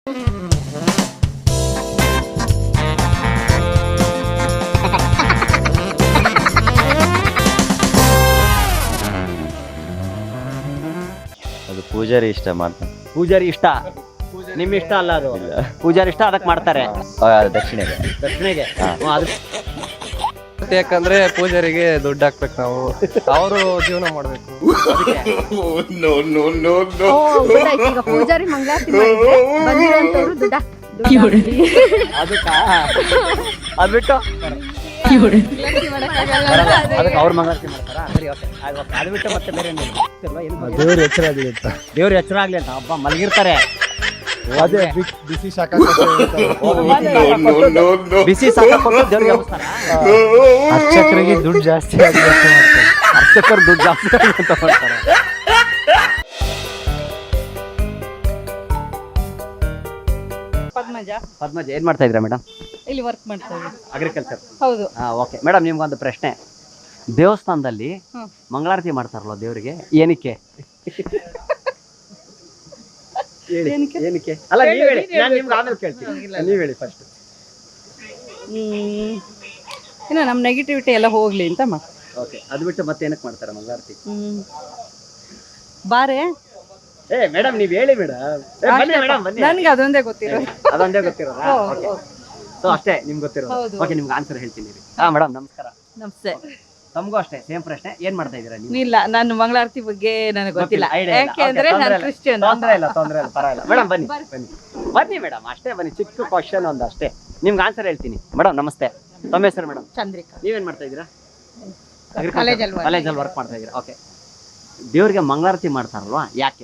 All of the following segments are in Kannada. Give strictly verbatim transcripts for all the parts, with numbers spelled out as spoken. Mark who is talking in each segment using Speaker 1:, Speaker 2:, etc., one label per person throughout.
Speaker 1: ಅದು ಪೂಜಾರಿ ಇಷ್ಟ ಮಾಡ್ತಾರೆ.
Speaker 2: ಪೂಜಾರಿ ಇಷ್ಟ, ನಿಮ್ ಇಷ್ಟ ಅಲ್ಲ ಅದು. ಪೂಜಾರಿ ಇಷ್ಟ, ಅದಕ್ಕೆ ಮಾಡ್ತಾರೆ.
Speaker 1: ದಕ್ಷಿಣೆಗೆ
Speaker 2: ದಕ್ಷಿಣೆಗೆ ಅದು
Speaker 3: ಯಾಕಂದ್ರೆ ಪೂಜಾರಿಗೆ ದುಡ್ಡು ಹಾಕ್ಬೇಕು ನಾವು, ಅವರು ಜೀವನ ಮಾಡ್ಬೇಕು.
Speaker 4: ಈಗ ಪೂಜಾರಿ ಮಂಗಳಾರತಿ ಮಾಡಿದ್ರೆ ಬಂದಿರೋಂಥವ್ರು ದುಡ್ಡ
Speaker 2: ಅದಕ್ಕ ಅದ್ ಬಿಟ್ಟು ಅದಕ್ಕೆ ಅವ್ರ ಮಂಗಳಾರತಿ ಮಾಡ್ತಾರ. ಸರಿ, ಓಕೆ, ಅದು ಬಿಟ್ಟು ಮತ್ತೆ ಬೇರೆ
Speaker 3: ದೇವ್ರ ಎಚ್ಚರ ಆಗಲಿ ಅಂತ,
Speaker 2: ದೇವ್ರ ಎಚ್ಚರ ಆಗ್ಲಿ ಅಂತ ಹಬ್ಬ ಮಲಗಿರ್ತಾರೆ.
Speaker 3: ಅದೇ ಬಿಸಿ ಶಾಖ
Speaker 2: ಬಿಸಿ ಸಾಕ ಕೊಟ್ಟು ದೇವ್ರಿಗೆ ಹಬ್ಬಿಸ್ತಾರ.
Speaker 3: ಅರ್ಚಕರಿಗೆ ದುಡ್ಡು ಜಾಸ್ತಿ ಆಗಿ
Speaker 2: ಅರ್ಚಕರು ದುಡ್ಡು ಜಾಸ್ತಿ ಅಂತ ಮಾಡ್ತಾರೆ.
Speaker 4: ಪದ್ಮಜ.
Speaker 2: ಪದ್ಮಜ ಏನ್ ಮಾಡ್ತಾ ಇದ್ದೀರಾ ಮೇಡಮ್?
Speaker 4: ಇಲ್ಲಿ ವರ್ಕ್ ಮಾಡ್ತಾ ಇದ್ದೀವಿ.
Speaker 2: ಅಗ್ರಿಕಲ್ಚರ್.
Speaker 4: ಹೌದು.
Speaker 2: ಹಾ, ಓಕೆ ಮೇಡಮ್, ನಿಮ್ಗೊಂದು ಪ್ರಶ್ನೆ. ದೇವಸ್ಥಾನದಲ್ಲಿ ಮಂಗಳಾರತಿ ಮಾಡ್ತಾರಲ್ಲ ದೇವರಿಗೆ, ಏನಕ್ಕೆ? ಏನಕ್ಕೆ ಅಲ್ಲ, ನೀವ್ ಹೇಳಿ, ನಾನು ನಿಮ್ಗೆ ಆಮೇಲೆ ಕೇಳ್ತೀನಿ. ನೀವ್ ಹೇಳಿ ಫಸ್ಟ್.
Speaker 4: ಹ್ಮ್ ಇನ್ನು ನಮ್ಮ ನೆಗೆಟಿವಿಟಿ ಎಲ್ಲ ಹೋಗ್ಲಿ ಅಂತ ಮಾ
Speaker 2: ಓಕೆ, ಅದು ಬಿಟ್ಟು ಮತ್ತೆ ಏನಕ್ಕೆ ಮಾಡ್ತಾರೆ ಮಂಗಳಾರತಿ?
Speaker 4: ಹ್ಮ್ ಬಾರೆ
Speaker 2: ಏ ಮೇಡಮ್, ನೀವ್ ಹೇಳಿ ಮೇಡಮ್. ಬನ್ನಿ ಮೇಡಮ್, ಬನ್ನಿ.
Speaker 4: ನನ್ಗೆ ಅದೊಂದೇ ಗೊತ್ತಿರೋದು.
Speaker 2: ಅದೊಂದೇ ಗೊತ್ತಿರೋದಾ?
Speaker 4: ಹೌದು.
Speaker 2: ಸೊ ಅಷ್ಟೇ ನಿಮ್ಗೆ ಗೊತ್ತಿರೋದು.
Speaker 4: ಹೌದು.
Speaker 2: ಓಕೆ, ನಿಮ್ಗೆ ಆನ್ಸರ್ ಹೇಳ್ತೀನಿ. ಹಾ ಮೇಡಮ್, ನಮಸ್ಕಾರ.
Speaker 4: ನಮಸ್ತೆ.
Speaker 2: ತಮಗೂ ಅಷ್ಟೇ ಸೇಮ್ ಪ್ರಶ್ನೆ. ಏನ್ ಮಾಡ್ತಾ ಇದ್ದೀರಾ ನೀವು?
Speaker 4: ಇಲ್ಲ, ನಾನು ಮಂಗಳಾರತಿ ಬಗ್ಗೆ ನನಗೆ ಗೊತ್ತಿಲ್ಲ. ಯಾಕೆ ಅಂದ್ರೆ ನಾನು ಕ್ರಿಶ್ಚಿಯನ್.
Speaker 2: ತೊಂದ್ರೆ ಇಲ್ಲ, ತೊಂದ್ರೆ ಇಲ್ಲ, ಪರವಾಗಿಲ್ಲ. ಮೇಡಮ್ ಬನ್ನಿ, ಬನ್ನಿ ಬನ್ನಿ ಮೇಡಮ್, ಅಷ್ಟೇ ಬನ್ನಿ. ಚಿಕ್ಕ ಕ್ವಶನ್ ಒಂದು ಅಷ್ಟೇ, ನಿಮ್ಗೆ ಆನ್ಸರ್ ಹೇಳ್ತೀನಿ. ಮೇಡಮ್ ನಮಸ್ತೆ, ತಮ್ಮ ಹೆಸರು ಮೇಡಮ್?
Speaker 4: ಚಂದ್ರಿಕಾ.
Speaker 2: ನೀವೇನ್ ಮಾಡ್ತಾ ಇದ್ದೀರಾ?
Speaker 4: ಕಾಲೇಜಲ್ಲಿ
Speaker 2: ಕಾಲೇಜಲ್ಲಿ ವರ್ಕ್ ಮಾಡ್ತಾ ಇದ್ದೀರಾ? ಓಕೆ. ದೇವ್ರಿಗೆ ಮಂಗಳಾರತಿ ಮಾಡ್ತಾರಲ್ವಾ, ಯಾಕೆ?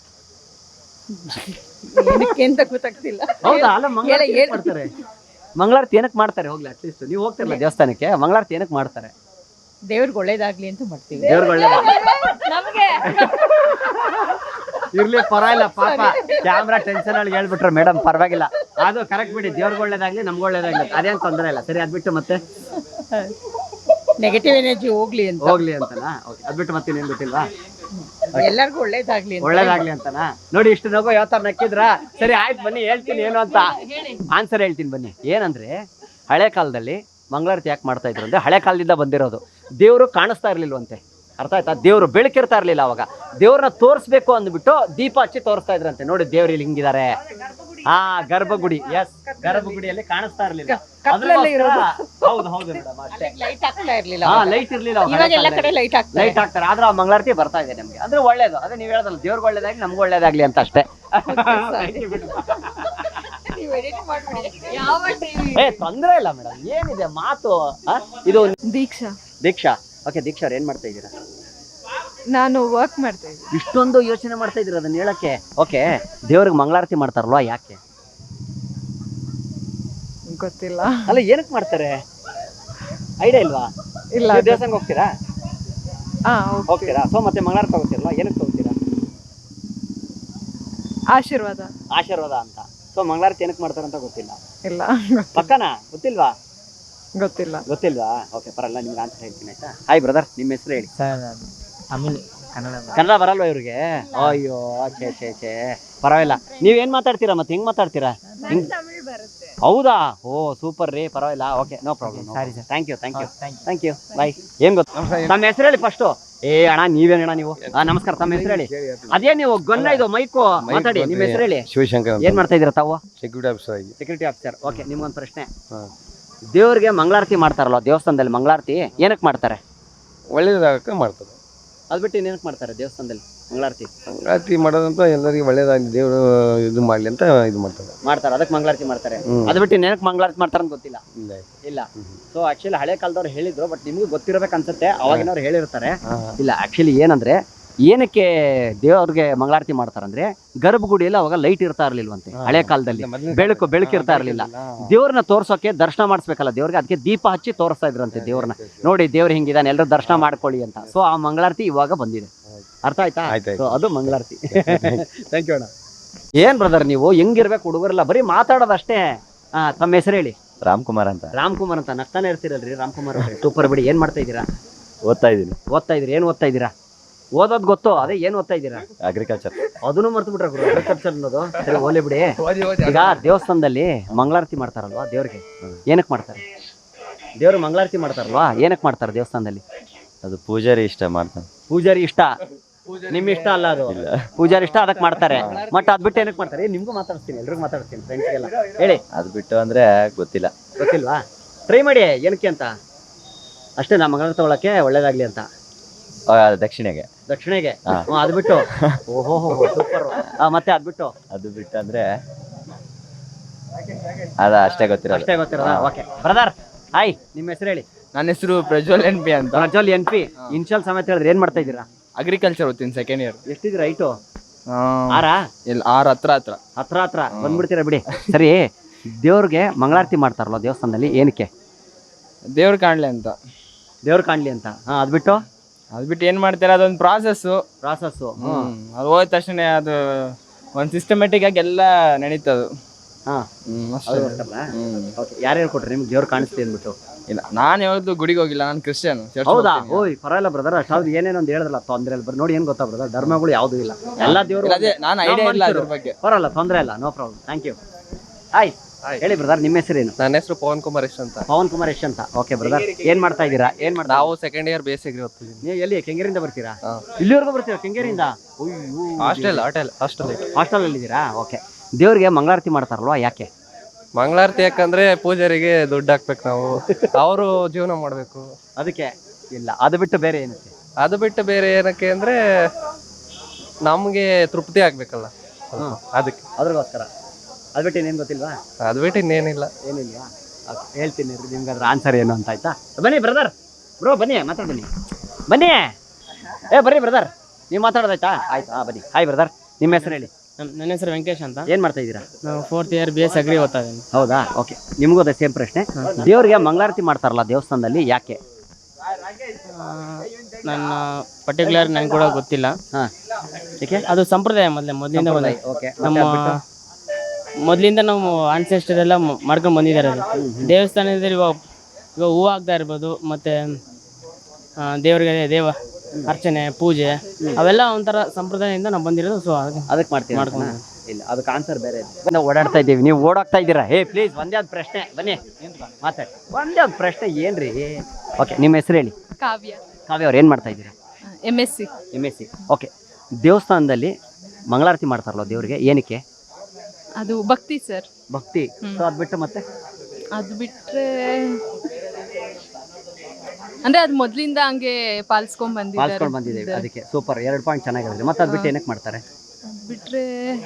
Speaker 4: ಏನಕ್ಕೆ ಅಂತ ಗೊತ್ತಾಗ್ತಿಲ್ಲ.
Speaker 2: ಹೌದಾ? ಅಲ್ಲ, ಮಂಗಳಾರತಿ ಏನಕ್ಕೆ ಮಾಡ್ತಾರೆ? ಮಂಗಳಾರತಿ ಏನಕ್ಕೆ ಮಾಡ್ತಾರೆ? ಹೋಗ್ಲಿ, ಅಟ್ಲೀಸ್ಟ್ ನೀವು ಹೋಗ್ತಿರಲ್ಲ ದೇವಸ್ಥಾನಕ್ಕೆ, ಮಂಗಳಾರತಿ ಏನಕ್ಕೆ ಮಾಡ್ತಾರೆ?
Speaker 4: ದೇವ್ರಿಗೆ ಒಳ್ಳೇದಾಗ್ಲಿ ಅಂತ ಮಾಡ್ತೀವಿ.
Speaker 2: ದೇವ್ರಿಗೆ ಒಳ್ಳೇದಾಗ್ಲಿ
Speaker 4: ನಮ್ಗೆ
Speaker 2: ಇರ್ಲಿ, ಪರವಾಗಿಲ್ಲ. ಪಾಪ ಕ್ಯಾಮ್ರಾ ಟೆನ್ಷನ್ ಅಲ್ಲಿ ಹೇಳ್ಬಿಟ್ರು ಮೇಡಮ್, ಪರವಾಗಿಲ್ಲ, ಅದು ಕರೆಕ್ಟ್ ಬಿಡಿ. ದೇವ್ರಿಗೆ ಒಳ್ಳೇದಾಗ್ಲಿ, ನಮ್ಗೆ ಒಳ್ಳೇದಾಗ್ಲಿ, ಅದೇನು ತೊಂದರೆ ಇಲ್ಲ. ಸರಿ, ಅದ್ಬಿಟ್ಟು ಮತ್ತೆ
Speaker 4: ನೆಗೆಟಿವ್ ಎನರ್ಜಿ ಹೋಗ್ಲಿ ಅಂತ.
Speaker 2: ಹೋಗ್ಲಿ ಅಂತನಾ? ಓಕೆ, ಅದ್ಬಿಟ್ಟು ಮತ್ತೆ ಏನ್ ಗೊತ್ತಿಲ್ವಾ?
Speaker 4: ಎಲ್ಲರಿಗೂ ಒಳ್ಳೇದಾಗ್ಲಿ ಅಂತ.
Speaker 2: ಒಳ್ಳೇದಾಗ್ಲಿ ಅಂತನಾ? ನೋಡಿ, ಇಷ್ಟು ನಗು ಯಾವ ತರ ನಕ್ಕಿದ್ರ. ಸರಿ, ಆಯ್ತು, ಬನ್ನಿ ಹೇಳ್ತೀನಿ ಏನು ಅಂತ. ಆನ್ಸರ್ ಹೇಳ್ತೀನಿ ಬನ್ನಿ. ಏನಂದ್ರೆ, ಹಳೆ ಕಾಲದಲ್ಲಿ ಮಂಗಳಾರತಿ ಯಾಕೆ ಮಾಡ್ತಾ ಇದ್ರು ಅಂದ್ರೆ, ಹಳೆ ಕಾಲದಿಂದ ಬಂದಿರೋದು. ದೇವರು ಕಾಣಿಸ್ತಾ ಇರ್ಲಿಲ್ವಂತೆ, ಅರ್ಥ ಆಯ್ತಾ? ದೇವ್ರು ಬೆಳಕಿರ್ತಾ ಇರ್ಲಿಲ್ಲ ಅವಾಗ. ದೇವ್ರನ್ನ ತೋರಿಸ್ಬೇಕು ಅಂದ್ಬಿಟ್ಟು ದೀಪ ಹಚ್ಚಿ ತೋರಿಸ್ತಾ ಇದ್ರಂತೆ. ನೋಡಿ, ದೇವ್ರು ಇಲ್ಲಿ ಹಿಂಗಿದ್ದಾರೆ. ಹಾ, ಗರ್ಭಗುಡಿ. ಎಸ್, ಗರ್ಭಗುಡಿಯಲ್ಲಿ ಕಾಣಿಸ್ತಾ ಇರ್ಲಿಲ್ಲ. ಹೌದು ಹೌದು ಮೇಡಮ್, ಅಷ್ಟೇ.
Speaker 4: ಲೈಟ್ ಹಾಕ್ತಾ ಇರ್ಲಿಲ್ಲ.
Speaker 2: ಹಾ, ಲೈಟ್ ಇರ್ಲಿಲ್ಲ.
Speaker 4: ಇವಾಗ ಎಲ್ಲ ಕಡೆ ಲೈಟ್ ಹಾಕ್ತಾರೆ.
Speaker 2: ಲೈಟ್ ಹಾಕ್ತಾರೆ, ಆದ್ರೆ ಆ ಮಂಗಳಾರತಿ ಬರ್ತಾ ಇದೆ ನಮ್ಗೆ. ಅಂದ್ರೆ ಒಳ್ಳೇದು. ಅದೇ ನೀವ್ ಹೇಳೋದಲ್ಲ, ದೇವ್ರಿಗೆ ಒಳ್ಳೇದಾಗ್ಲಿ, ನಮ್ಗೆ ಒಳ್ಳೇದಾಗ್ಲಿ ಅಂತ ಅಷ್ಟೇ. ಏ, ತೊಂದ್ರೆ ಇಲ್ಲ ಮೇಡಮ್, ಏನಿದೆ ಮಾತು. ಇದು
Speaker 4: ದೀಕ್ಷಾ.
Speaker 2: ದೀಕ್ಷಾ. ಓಕೆ, ದೀಕ್ಷಾ ಅವ್ರು ಏನ್ ಮಾಡ್ತಾ ಇದ್ದೀರಾ?
Speaker 4: ನಾನು ವರ್ಕ್ ಮಾಡ್ತಾ ಇದ್ದೀನಿ.
Speaker 2: ಇಷ್ಟೊಂದು ಯೋಚನೆ ಮಾಡ್ತಾ ಇದ್ದೀರಾ ಅದನ್ನ ಹೇಳಕ್ಕೆ? ಓಕೆ, ದೇವ್ರಿಗೆ ಮಂಗಳಾರತಿ ಮಾಡ್ತಾರಲ್ವಾ, ಯಾಕೆ?
Speaker 4: ಗೊತ್ತಿಲ್ಲ.
Speaker 2: ಅಲ್ಲ, ಏನಕ್ಕೆ ಮಾಡ್ತಾರೆ? ಐಡಿಯಾ ಇಲ್ವಾ?
Speaker 4: ಇಲ್ಲ.
Speaker 2: ದೇವಸ್ಥಾನಕ್ಕೆ ಹೋಗ್ತೀರಾ?
Speaker 4: ಹಾ,
Speaker 2: ಹೋಗ್ತೀರಾ? ಸೊ ಮತ್ತೆ ಮಂಗಳಾರತಿ ತಗೋತೀರಲ್ವಾ, ಏನಕ್ಕೆ ತಗೋತೀರಾ?
Speaker 4: ಆಶೀರ್ವಾದ.
Speaker 2: ಆಶೀರ್ವಾದ ಅಂತ. ಸೊ ಮಂಗಳಾರತಿ ಏನಕ್ಕೆ ಮಾಡ್ತಾರಂತ ಗೊತ್ತಿಲ್ಲ?
Speaker 4: ಇಲ್ಲ.
Speaker 2: ಪಕ್ಕನಾ? ಗೊತ್ತಿಲ್ವಾ?
Speaker 4: ಗೊತ್ತಿಲ್ಲ.
Speaker 2: ಗೊತ್ತಿಲ್ವಾ? ಓಕೆ, ಪರಲ್ಲ, ನಿಮ್ಗೆ ಆನ್ಸರ್ ಹೇಳ್ತೀನಿ ಆಯ್ತಾ? ಹಾಯ್ ಬ್ರದರ್, ನಿಮ್ಮ ಹೆಸರು ಹೇಳಿ.
Speaker 3: ಆಮೇಲೆ ಕನ್ನಡ
Speaker 2: ಕನ್ನಡ ಬರಲ್ವಾ ಇವ್ರಿಗೆ? ಅಯ್ಯೋ, ಛೇ ಛೇ ಛೇ, ಪರವಾಗಿಲ್ಲ. ನೀವೇನ್ ಮಾತಾಡ್ತೀರಾ ಮತ್ತೆ? ಹೆಂಗ್ ಮಾತಾಡ್ತೀರಾ? ಹೌದಾ? ಓ, ಸೂಪರ್ ರೀ, ಪರವಾಗಿಲ್ಲ. Okay, no problem. ಸರಿ sir, thank you thank you thank you bye. ಏನ್ ಗೊತ್ತಾ, ತಮ್ಮ ಹೆಸರು ಹೇಳಿ ಫಸ್ಟು. ಏ ಅಣ್ಣ, ನೀವೇನ ಅಣ್ಣ ನೀವು? ಹಾ, ನಮಸ್ಕಾರ. ತಮ್ಮ ಹೆಸರು ಹೇಳಿ. ಅದೇ ನೀವು ಗೊನ್ನ ಇದು ಮೈಕು ಮಾತಾಡಿ. ನಿಮ್ಮ ಹೆಸರು ಹೇಳಿ.
Speaker 3: ಶಿವಶಂಕರ್.
Speaker 2: ಏನ್ ಮಾಡ್ತಾ ಇದೀರಾ ತಾವು?
Speaker 3: ಸೆಕ್ಯೂರಿಟಿ ಆಫೀಸರ್ ಆಗಿ.
Speaker 2: Security officer. ಓಕೆ, ನಿಮ್ಗೊಂದು ಪ್ರಶ್ನೆ. ದೇವ್ರಿಗೆ ಮಂಗಳಾರತಿ ಮಾಡ್ತಾರಲ್ವ ದೇವಸ್ಥಾನದಲ್ಲಿ, ಮಂಗಳಾರತಿ ಏನಕ್ಕೆ ಮಾಡ್ತಾರೆ?
Speaker 3: ಒಳ್ಳೇದಾಗಕ್ಕೆ ಮಾಡ್ತಾರೆ.
Speaker 2: ಅದ್ ಬಿಟ್ಟು ಏನಕ್ಕೆ ಮಾಡ್ತಾರೆ ದೇವಸ್ಥಾನದಲ್ಲಿ ಮಂಗಳಾರತಿ?
Speaker 3: ಮಂಗಳಾರತಿ ಮಾಡೋದಂತ ಎಲ್ಲರಿಗೂ ಒಳ್ಳೇದಾಗಲಿ, ದೇವರು ಇದು ಮಾಡ್ಲಿ ಅಂತ ಇದು ಮಾಡ್ತಾರೆ
Speaker 2: ಮಾಡ್ತಾರೆ ಅದಕ್ಕೆ ಮಂಗಳಾರತಿ ಮಾಡ್ತಾರೆ. ಅದ್ ಬಿಟ್ಟು ಏನಕ್ಕೆ ಮಂಗಳಾರತಿ ಮಾಡ್ತಾರೆ ಅಂತ ಗೊತ್ತಿಲ್ಲ. ಇಲ್ಲ. ಸೊ ಆಕ್ಚುಲಿ ಹಳೆ ಕಾಲದವ್ರು ಹೇಳಿದ್ರು, ಬಟ್ ನಿಮ್ಗೂ ಗೊತ್ತಿರಬೇಕು ಅನ್ಸುತ್ತೆ, ಅವಾಗಿನವ್ರು ಹೇಳಿರ್ತಾರೆ. ಇಲ್ಲ, ಆಕ್ಚುಲಿ ಏನಂದ್ರೆ, ಏನಕ್ಕೆ ದೇವ್ರಿಗೆ ಮಂಗಳಾರತಿ ಮಾಡ್ತಾರಂದ್ರೆ, ಗರ್ಭಗುಡಿಯಲ್ಲಿ ಅವಾಗ ಲೈಟ್ ಇರ್ತಾ ಇರ್ಲಿಲ್ವಂತೆ ಹಳೆ ಕಾಲದಲ್ಲಿ. ಬೆಳಕು ಬೆಳಕಿರ್ತಾ ಇರ್ಲಿಲ್ಲ. ದೇವ್ರನ್ನ ತೋರ್ಸೋಕೆ, ದರ್ಶನ ಮಾಡಿಸ್ಬೇಕಲ್ಲ ದೇವ್ರಿಗೆ, ಅದಕ್ಕೆ ದೀಪ ಹಚ್ಚಿ ತೋರಿಸ್ತಾ ಇದ್ರಂತೆ ದೇವ್ರನ್ನ. ನೋಡಿ, ದೇವ್ರ ಹಿಂಗಿದಾನೆ, ಎಲ್ಲರೂ ದರ್ಶನ ಮಾಡ್ಕೊಳ್ಳಿ ಅಂತ. ಸೊ ಆ ಮಂಗಳಾರತಿ ಇವಾಗ ಬಂದಿದೆ. ಅರ್ಥ ಆಯ್ತಾ? ಸೊ ಅದು ಮಂಗಳಾರತಿ. ಥ್ಯಾಂಕ್ ಯು ಅಣ್ಣ. ಏನ್ ಬ್ರದರ್ ನೀವು ಹೆಂಗಿರ್ಬೇಕು ಹುಡುಗರೆಲ್ಲ? ಬರೀ ಮಾತಾಡೋದಷ್ಟೇ. ಹಾ, ತಮ್ಮ ಹೆಸರು ಹೇಳಿ.
Speaker 1: ರಾಮ್ಕುಮಾರ್ ಅಂತ.
Speaker 2: ರಾಮ್ಕುಮಾರ್ ಅಂತ ನಗ್ತಾನೆ ಇರ್ತೀರಲ್ರಿ ರಾಮ್ಕುಮಾರ್ ಅವ್ರೆ. ಸೂಪರ್ ಬಿಡಿ. ಏನ್ ಮಾಡ್ತಾ ಇದ್ದೀರಾ?
Speaker 1: ಓದ್ತಾ ಇದ್ದೀನಿ.
Speaker 2: ಓದ್ತಾ ಇದ್ರಿ? ಏನ್ ಓದ್ತಾ ಇದ್ದೀರಾ? ಓದೋದ್ ಗೊತ್ತು, ಅದೇ ಏನ್ ಓದ್ತಾ ಇದ್ದೀರಾ?
Speaker 1: ಅಗ್ರಿಕಲ್ಚರ್.
Speaker 2: ಅದನ್ನು ಮರ್ತು ಬಿಟ್ರೆ ಗುರು ಅಗ್ರಿಕಲ್ಚರ್ ಅನ್ನೋದು. ಸರಿ ಹೋಲಿ ಬಿಡಿ. ಈಗ ದೇವಸ್ಥಾನದಲ್ಲಿ ಮಂಗಳಾರತಿ ಮಾಡ್ತಾರಲ್ವಾ ದೇವ್ರಿಗೆ, ಏನಕ್ಕೆ ಮಾಡ್ತಾರೆ? ದೇವ್ರು ಮಂಗಳಾರತಿ ಮಾಡ್ತಾರಲ್ವಾ, ಏನಕ್ಕೆ ಮಾಡ್ತಾರೆ ದೇವಸ್ಥಾನದಲ್ಲಿ?
Speaker 1: ಅದು ಪೂಜಾರಿ ಇಷ್ಟ ಮಾಡ್ತಾನೆ.
Speaker 2: ಪೂಜಾರಿ ಇಷ್ಟ, ನಿಮ್ ಇಷ್ಟ ಅಲ್ಲ ಅದು. ಪೂಜಾರಿ ಇಷ್ಟ, ಅದಕ್ಕೆ ಮಾಡ್ತಾರೆ. ಮಟ್ ಅದ್ ಬಿಟ್ಟು ಏನಕ್ಕೆ ಮಾಡ್ತಾರೆ? ನಿಮ್ಗೂ ಮಾತಾಡ್ತೀನಿ, ಎಲ್ರಿಗೂ ಮಾತಾಡ್ತೀನಿ, ಫ್ರೆಂಡ್ಸ್ಗೆಲ್ಲ ಹೇಳಿ.
Speaker 1: ಅದು ಬಿಟ್ಟು ಅಂದ್ರೆ ಗೊತ್ತಿಲ್ಲ.
Speaker 2: ಗೊತ್ತಿಲ್ವಾ? ಟ್ರೈ ಮಾಡಿ, ಏನಕ್ಕೆ ಅಂತ ಅಷ್ಟೇ. ನಾ ಮಂಗಳಾರತಿ ತಗೊಳಕ್ಕೆ ಒಳ್ಳೇದಾಗ್ಲಿ ಅಂತ.
Speaker 1: ಆ, ದಕ್ಷಿಣೆಗೆ.
Speaker 2: ದಕ್ಷಿಣೆಗೆ. ಅದ್ ಬಿಟ್ಟು ಓಹೋ ಸೂಪರ್. ಮತ್ತೆ ಅದ್ ಬಿಟ್ಟು
Speaker 1: ಅದು ಬಿಟ್ಟು ಅಂದ್ರೆ ಅದ ಅಷ್ಟೇ ಗೊತ್ತಿರೋದು.
Speaker 2: ಅಷ್ಟೇ ಗೊತ್ತಿರೋದ? ಓಕೆ ಬ್ರದರ್, ಹಾಯ್, ನಿಮ್ಮ ಹೆಸರು ಹೇಳಿ.
Speaker 5: ನನ್ನ ಹೆಸರು ಪ್ರಜ್ವಲ್ ಎನ್ ಪಿ ಅಂತ.
Speaker 2: Prajwal N P. ಇನ್ಶಿಯಲ್ ಸಮೇತ ಹೇಳಿದ್ರೆ ಏನ್ ಮಾಡ್ತಾ ಇದ್ದೀರಾ?
Speaker 5: ಅಗ್ರಿಕಲ್ಚರ್ ಓದ್ತೀನಿ, ಸೆಕೆಂಡ್ ಇಯರ್.
Speaker 2: ಎಷ್ಟಿದ್ದೀರಾ ಹೈಟು? ಆರಾ?
Speaker 5: ಇಲ್ಲ, ಆರು ಹತ್ರ ಹತ್ರ
Speaker 2: ಹತ್ರ ಹತ್ರ ಬಂದ್ಬಿಡ್ತೀರಾ ಬಿಡಿ. ಸರಿ, ದೇವ್ರಿಗೆ ಮಂಗಳಾರತಿ ಮಾಡ್ತಾರಲ್ಲ ದೇವಸ್ಥಾನದಲ್ಲಿ, ಏನಕ್ಕೆ?
Speaker 5: ದೇವ್ರು ಕಾಣ್ಲಿ ಅಂತ.
Speaker 2: ದೇವ್ರು ಕಾಣ್ಲಿ ಅಂತ. ಹಾ, ಅದ್ ಬಿಟ್ಟು
Speaker 5: ಅದ್ ಬಿಟ್ಟು ಏನ್ ಮಾಡ್ತಾರೆ, ಅದೊಂದು ಪ್ರಾಸೆಸ್ಸು.
Speaker 2: ಪ್ರಾಸಸ್ಸು.
Speaker 5: ಅದು ಹೋದ ತಕ್ಷಣ ಅದು ಒಂದು ಸಿಸ್ಟಮೆಟಿಕ್ ಆಗಿ ಎಲ್ಲ ನಡೀತದು.
Speaker 2: ಹಾ,
Speaker 5: ಹ್ಮ್ ಅಷ್ಟೇ.
Speaker 2: ಅದು ಗೊತ್ತಲ್ಲ? ಓಕೆ, ಯಾರು ಹೇಳ್ಕೊಟ್ರಿ ನಿಮ್ಗೆ ದೇವ್ರು ಕಾಣಿಸ್ತಿ ಅಂದ್ಬಿಟ್ಟು?
Speaker 5: ಇಲ್ಲ, ನಾನು ಯಾವತ್ತು ಗುಡಿಗೆ ಹೋಗಿಲ್ಲ, ನಾನು ಕ್ರಿಶ್ಚಿಯನ್.
Speaker 2: ಹೌದಾ? ಓಯ್ ಪರವಾಗಿಲ್ಲ ಬ್ರದರ್, ಅಷ್ಟಾದ್ರು ಏನೇನೋ ಒಂದು ಹೇಳಿದ್ರಲ್ಲ, ತೊಂದ್ರೆ ಇಲ್ಲ. ಬರ್ ನೋಡಿ, ಏನ್ ಗೊತ್ತಾ ಬ್ರದರ್, ಧರ್ಮಗಳು ಯಾವ್ದು ಇಲ್ಲ, ಎಲ್ಲ ದೇವ್ರು.
Speaker 5: ಅದೇ ನಾನು ಐಡಿಯಾ ಇಲ್ಲ ಅದ್ರ ಬಗ್ಗೆ.
Speaker 2: ಪರವಾಗಿಲ್ಲ, ತೊಂದ್ರೆ ಇಲ್ಲ, no problem. Thank you. Hi, ಹೇಳಿ ಬ್ರದರ್, ನಿಮ್ಮ ಹೆಸರೇನು?
Speaker 3: ನನ್ನ ಹೆಸರು ಪವನ್ ಕುಮಾರ್ ಎಸ್ ಅಂತ.
Speaker 2: ಪವನ್ ಕುಮಾರ್ ಯಶ್ ಅಂತ. ಓಕೆ ಬ್ರದರ್, ಏನ್ ಮಾಡ್ತಾ ಇದ್ದೀರಾ? ಏನ್ ಮಾಡ್ತಾ?
Speaker 3: ನಾವು ಸೆಕೆಂಡ್ ಇಯರ್ ಬೇಸಿಗೆ ಓದ್ತಿದ್ದೀವಿ.
Speaker 2: ನೀವು ಎಲ್ಲಿ ಕೆಂಗೇರಿಯಿಂದ ಬರ್ತೀರಾ? ಇಲ್ಲಿವರೆಗೂ ಬರ್ತೀರಾ ಕೆಂಗೇರಿಯಿಂದ?
Speaker 3: ಹಾಸ್ಟೆಲ್ ಹಾಟೆಲ್ ಹಾಸ್ಟೆಲ್
Speaker 2: ಹಾಸ್ಟೆಲ್ ಅಲ್ಲಿ ಇದ್ದೀರಾ? ಓಕೆ, ದೇವ್ರಿಗೆ ಮಂಗಳಾರತಿ ಮಾಡ್ತಾರಲ್ವಾ, ಯಾಕೆ?
Speaker 3: ಮಂಗಳಾರತಿ ಯಾಕಂದ್ರೆ ಪೂಜಾರಿಗೆ ದುಡ್ಡು ಹಾಕ್ಬೇಕು ನಾವು, ಅವರು ಜೀವನ ಮಾಡಬೇಕು
Speaker 2: ಅದಕ್ಕೆ. ಇಲ್ಲ, ಅದು ಬಿಟ್ಟು ಬೇರೆ ಏನಕ್ಕೆ?
Speaker 3: ಅದು ಬಿಟ್ಟು ಬೇರೆ ಏನಕ್ಕೆ ಅಂದ್ರೆ ನಮಗೆ ತೃಪ್ತಿ ಆಗ್ಬೇಕಲ್ಲ, ಅದಕ್ಕೆ.
Speaker 2: ಅದ್ರಗೋಸ್ಕರ. ಅದು ಬಿಟ್ಟು ಇನ್ನೇನು ಗೊತ್ತಿಲ್ವಾ?
Speaker 3: ಅದು ಬಿಟ್ಟು ಇನ್ನೇನಿಲ್ಲ.
Speaker 2: ಏನಿಲ್ವಾ? ಹೇಳ್ತೀನಿ ನಿಮ್ಗೆ ಅದ್ರ ಆನ್ಸರ್ ಏನು ಅಂತ. ಆಯ್ತಾ? ಬನ್ನಿ ಬ್ರದರ್, ಬ್ರೋ ಬನ್ನಿ, ಮಾತಾಡ್ ಬನ್ನಿ, ಬನ್ನಿ. ಏ ಬರ್ರಿ ಬ್ರದರ್, ನೀವು ಮಾತಾಡೋದಾಯ್ತಾ? ಆಯ್ತು, ಹಾಂ ಬನ್ನಿ. ಹಾಯ್ ಬ್ರದರ್, ನಿಮ್ಮ ಹೆಸರು ಹೇಳಿ.
Speaker 6: ನನ್ನ ಹೆಸರು ವೆಂಕಟೇಶ್ ಅಂತ.
Speaker 2: ಏನು ಮಾಡ್ತಾ ಇದ್ದೀರಾ?
Speaker 6: ನಾವು fourth year B S agri ಓದ್ತಾ ಇದ್ದೀನಿ.
Speaker 2: ಹೌದಾ? ಓಕೆ, ನಿಮಗೂ ಅದೇ ಸೇಮ್ ಪ್ರಶ್ನೆ. ದೇವ್ರಿಗೆ ಮಂಗಳಾರತಿ ಮಾಡ್ತಾರಲ್ಲ ದೇವಸ್ಥಾನದಲ್ಲಿ, ಯಾಕೆ?
Speaker 6: ನನ್ನ ಪರ್ಟಿಕ್ಯುಲರ್ ನನಗೆ ಕೂಡ ಗೊತ್ತಿಲ್ಲ.
Speaker 2: ಹಾಂ, ಏಕೆ?
Speaker 6: ಅದು ಸಂಪ್ರದಾಯ ಮೊದಲೇ ಮೊದಲಿಂದ ಬಂದ.
Speaker 2: ಓಕೆ,
Speaker 6: ನಮ್ಮ ಮೊದಲಿಂದ ನಾವು ಆನ್ಸೆಸ್ಟರ್ ಎಲ್ಲ ಮಾಡ್ಕೊಂಡು ಬಂದಿದ್ದಾರೆ. ಅದು ದೇವಸ್ಥಾನದಲ್ಲಿ ಇವಾಗ ಇವಾಗ ಹೂವು ಹಾಕ್ತಾ ಇರ್ಬೋದು, ಮತ್ತು ದೇವರಿಗೆ ದೇವ ಅರ್ಚನೆ ಪೂಜೆ ಅವೆಲ್ಲ ಒಂಥರ ಸಂಪ್ರದಾಯದಿಂದ ನಾವು ಬಂದಿರೋದು. ಸೊ
Speaker 2: ಅದಕ್ಕೆ ಮಾಡ್ತೀವಿ.
Speaker 6: ಮಾಡ್ಕೊಂಡು
Speaker 2: ಇಲ್ಲ, ಅದಕ್ಕೆ ಆನ್ಸರ್ ಬೇರೆ. ನಾವು ಓಡಾಡ್ತಾ ಇದ್ದೀವಿ, ನೀವು ಓಡಾಡ್ತಾ ಇದ್ದೀರಾ. ಹೇ ಪ್ಲೀಸ್, ಒಂದೇ ಒಂದು ಪ್ರಶ್ನೆ, ಬನ್ನಿ ಮಾತಾಡಿ. ಒಂದೇ ಒಂದು ಪ್ರಶ್ನೆ, ಏನ್ರಿ? ಓಕೆ, ನಿಮ್ಮ ಹೆಸರು ಹೇಳಿ.
Speaker 4: ಕಾವ್ಯ.
Speaker 2: ಕಾವ್ಯ ಅವ್ರು ಏನು ಮಾಡ್ತಾ ಇದ್ದೀರಾ?
Speaker 4: M S C.
Speaker 2: M S C. Okay, ದೇವಸ್ಥಾನದಲ್ಲಿ ಮಂಗಳಾರತಿ ಮಾಡ್ತಾರಲ್ಲ ದೇವ್ರಿಗೆ, ಏನಕ್ಕೆ?
Speaker 4: ಅದು ಭಕ್ತಿ ಸರ್.
Speaker 2: ಭಕ್ತಿ. ಸೊ ಅದು ಬಿಟ್ಟು ಮತ್ತೆ?
Speaker 4: ಅದು ಬಿಟ್ರೆ ಅಂದ್ರೆ ಅದು ಮೊದ್ಲಿಂದ ಹಂಗೆ ಪಾಲಿಸ್ಕೊಂಡ್ ಬಂದಿದ್ದಾರೆ.
Speaker 2: ಪಾಲಿಸ್ಕೊಂಡು ಬಂದಿದ್ದೇವೆ, ಅದಕ್ಕೆ. ಸೂಪರ್, ಎರಡು ಪಾಯಿಂಟ್ ಚೆನ್ನಾಗಿರೋದು. ಮತ್ತೆ ಅದು ಬಿಟ್ಟು ಏನಕ್ಕೆ ಮಾಡ್ತಾರೆ?
Speaker 4: ಅದ್ ಬಿಟ್ರೆ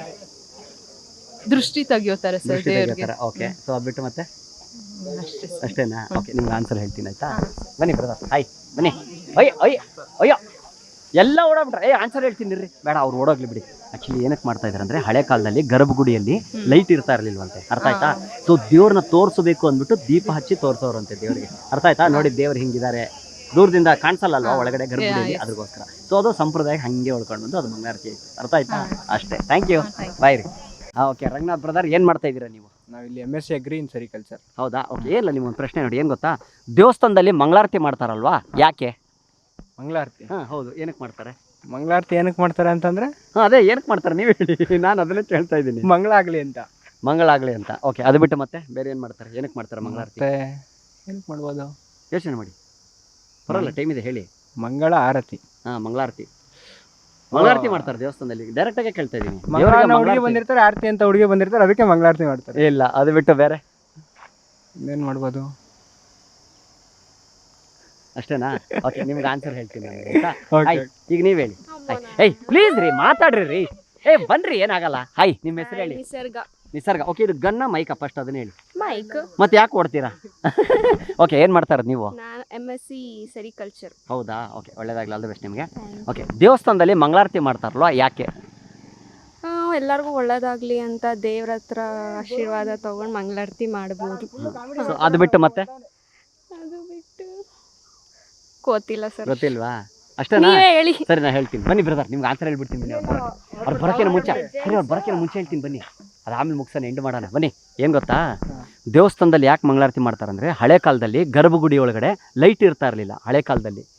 Speaker 4: ದೃಷ್ಟಿ ತೆಗಿಯೋತಾರೆ ಸರ್ ದೇವ್ರಿಗೆ.
Speaker 2: ಓಕೆ, ಸೊ ಅದು ಬಿಟ್ಟು ಮತ್ತೆ?
Speaker 4: ಅಷ್ಟೇ.
Speaker 2: ಅಷ್ಟೇನಾ? ಓಕೆ, ನಿಮ್ಗೆ ಆನ್ಸರ್ ಹೇಳ್ತೀನಿ, ಆಯ್ತಾ? ಬನ್ನಿ ಬ್ರದರ್, ಹಾಯ್, ಬನ್ನಿ. ಅಯ್ಯ ಅಯ್ಯ ಅಯ್ಯೋ, ಎಲ್ಲ ಓಡಾಡ್ಬಿಟ್ರೆ. ಏ ಆನ್ಸರ್ ಹೇಳ್ತೀನಿ ರೀ. ಬೇಡ, ಅವ್ರು ಓಡೋಗ್ಲಿ ಬಿಡಿ. ಆಕ್ಚುಲಿ ಏನಕ್ಕೆ ಮಾಡ್ತಾ ಇದ್ದಾರೆ ಅಂದ್ರೆ, ಹಳೆ ಕಾಲದಲ್ಲಿ ಗರ್ಭಗುಡಿಯಲ್ಲಿ ಲೈಟ್ ಇರ್ತಾ ಇರ್ಲಿಲ್ವಂತೆ, ಅರ್ಥ ಆಯ್ತಾ? ಸೊ ದೇವ್ರನ್ನ ತೋರಿಸಬೇಕು ಅಂದ್ಬಿಟ್ಟು ದೀಪ ಹಚ್ಚಿ ತೋರಿಸೋರಂತೆ ದೇವ್ರಿಗೆ, ಅರ್ಥ ಆಯ್ತಾ? ನೋಡಿ ದೇವ್ರು ಹಿಂಗಿದ್ದಾರೆ, ದೂರದಿಂದ ಕಾಣಿಸಲ್ಲ ಅಲ್ವಾ ಒಳಗಡೆ ಗರ್ಭಗುಡಿಯಲ್ಲಿ, ಅದಕ್ಕೋಸ್ಕರ. ಸೊ ಅದು ಸಂಪ್ರದಾಯ ಹಂಗೆ ಉಳ್ಕೊಂಡು ಬಂದು ಅದು ಮಂಗಳಾರತಿ ಆಯ್ತು, ಅರ್ಥ ಆಯ್ತಾ? ಅಷ್ಟೇ. ಥ್ಯಾಂಕ್ ಯು, ಬಾಯ್ ರೀ. ಹಾಂ, ಓಕೆ. ರಂಗನಾಥ್ ಬ್ರದರ್, ಏನು ಮಾಡ್ತಾ ಇದ್ದೀರಾ ನೀವು?
Speaker 5: ನಾವಿಲ್ಲಿ M S C agri in sericulture.
Speaker 2: ಹೌದಾ? ಓಕೆ. ಇಲ್ಲ, ನಿಮ್ಮೊಂದು ಪ್ರಶ್ನೆ ನೋಡಿ, ಏನು ಗೊತ್ತಾ? ದೇವಸ್ಥಾನದಲ್ಲಿ ಮಂಗಳಾರತಿ ಮಾಡ್ತಾರಲ್ವಾ, ಯಾಕೆ?
Speaker 5: ಮಂಗಳಾರತಿ.
Speaker 2: ಹಾಂ, ಹೌದು. ಏನಕ್ಕೆ ಮಾಡ್ತಾರೆ?
Speaker 5: ಮಂಗಳಾರತಿ ಏನಕ್ಕೆ ಮಾಡ್ತಾರೆ ಅಂತಂದ್ರೆ,
Speaker 2: ಹಾಂ, ಅದೇ ಏನಕ್ಕೆ ಮಾಡ್ತಾರೆ ನೀವು ಹೇಳಿ, ನಾನು ಅದನ್ನೇ ಹೇಳ್ತಾ ಇದ್ದೀನಿ.
Speaker 5: ಮಂಗಳ ಆಗ್ಲಿ ಅಂತ.
Speaker 2: ಮಂಗಳಾಗಲಿ ಅಂತ. ಓಕೆ, ಅದು ಬಿಟ್ಟು ಮತ್ತೆ ಬೇರೆ ಏನು ಮಾಡ್ತಾರೆ? ಏನಕ್ಕೆ ಮಾಡ್ತಾರೆ ಮಂಗಳಾರತಿ?
Speaker 5: ಮತ್ತೆ ಏನಕ್ಕೆ ಮಾಡ್ಬೋದು?
Speaker 2: ಯೋಚನೆ ಮಾಡಿ, ಬರಲ್ಲ, ಟೈಮ್ ಇದೆ, ಹೇಳಿ.
Speaker 5: ಮಂಗಳ ಆರತಿ.
Speaker 2: ಹಾಂ, ಮಂಗಳಾರತಿ. ಮಂಗಳಾರತಿ ಮಾಡ್ತಾರೆ ದೇವಸ್ಥಾನದಲ್ಲಿ. ಡೈರೆಕ್ಟಾಗೆ ಕೇಳ್ತಾ ಇದ್ದೀನಿ.
Speaker 5: ಹುಡುಗಿ ಬಂದಿರ್ತಾರೆ, ಆರತಿ ಅಂತ ಹುಡುಗಿ ಬಂದಿರ್ತಾರೆ, ಅದಕ್ಕೆ ಮಂಗಳಾರತಿ ಮಾಡ್ತಾರೆ.
Speaker 2: ಇಲ್ಲ, ಅದು ಬಿಟ್ಟು ಬೇರೆ
Speaker 5: ಇನ್ನೇನು ಮಾಡ್ಬೋದು?
Speaker 2: ಅಷ್ಟೇನಾ? ಓಕೆ, ನಿಮ್ಗೆ ಆನ್ಸರ್ ಹೇಳ್ತೀನಿ ನಾನು. ಹಾಯ್, ಈಗ ನೀವು ಹೇಳಿ. ಏಯ್ ಪ್ಲೀಸ್ ರೀ, ಮಾತಾಡ್ರಿ ರೀ. ಏ ಬನ್ರಿ, ಏನಾಗಲ್ಲ. ಹಾಯ್, ನಿಮ್ಮ ಹೆಸರು ಹೇಳಿ.
Speaker 4: ನಿಸರ್ಗ.
Speaker 2: ನಿಸರ್ಗ. ಓಕೆ, ಇದು ಗನ್ನ ಮೈಕ ಫಸ್ಟ್ ಅದನ್ನ ಹೇಳಿ.
Speaker 4: ಮೈಕ್.
Speaker 2: ಮತ್ತೆ ಯಾಕೆ ಓಡ್ತೀರಾ? ಓಕೆ, ಏನು ಮಾಡ್ತಾರೆ ನೀವು?
Speaker 4: ನಾನು ಎಮ್ ಎಸ್ ಸಿ ಸೆರಿಕಲ್ಚರ್.
Speaker 2: ಹೌದಾ? ಓಕೆ, ಒಳ್ಳೇದಾಗಲಿ, ಆಲ್ ದ ಬೆಸ್ಟ್ ನಿಮಗೆ. ಓಕೆ, ದೇವಸ್ಥಾನದಲ್ಲಿ ಮಂಗಳಾರತಿ ಮಾಡ್ತಾರಲ್ವಾ, ಯಾಕೆ?
Speaker 4: ಎಲ್ಲರಿಗೂ ಒಳ್ಳೇದಾಗ್ಲಿ ಅಂತ ದೇವ್ರ ಹತ್ರ ಆಶೀರ್ವಾದ ತಗೊಂಡು ಮಂಗಳಾರತಿ ಮಾಡ್ಬೋದು.
Speaker 2: ಸೊ ಅದು ಬಿಟ್ಟು ಮತ್ತೆ?
Speaker 4: ಅದು ಬಿಟ್ಟು ಗೊತ್ತಿಲ್ಲ ಸರ್.
Speaker 2: ಗೊತ್ತಿಲ್ವಾ? ಅಷ್ಟೇನಾ?
Speaker 4: ಹೇಳಿ.
Speaker 2: ಸರಿ, ನಾನು ಹೇಳ್ತೀನಿ, ಬನ್ನಿ ಬ್ರದರ್. ನಿಮ್ಗೆ ಆನ್ಸರ್ ಹೇಳ್ಬಿಡ್ತೀನಿ ಬನ್ನಿ. ಅವ್ರು ಅವ್ರು ಬರೋಕ್ಕಿಂತ ಮುಂಚೆ ಸರಿ ಅವ್ರು ಬರೋಕ್ಕಿಂತ ಮುಂಚೆ ಹೇಳ್ತೀನಿ ಬನ್ನಿ. ಅದು ಆಮೇಲೆ ಮುಗಿಸೋಣ, ಎಂಡ್ ಮಾಡೋಣ ಬನ್ನಿ. ಏನು ಗೊತ್ತಾ, ದೇವಸ್ಥಾನದಲ್ಲಿ ಯಾಕೆ ಮಂಗಳಾರತಿ ಮಾಡ್ತಾರಂದರೆ, ಹಳೆ ಕಾಲದಲ್ಲಿ ಗರ್ಭಗುಡಿ ಒಳಗಡೆ ಲೈಟ್ ಇರ್ತಾ ಇರಲಿಲ್ಲ ಹಳೆ ಕಾಲದಲ್ಲಿ.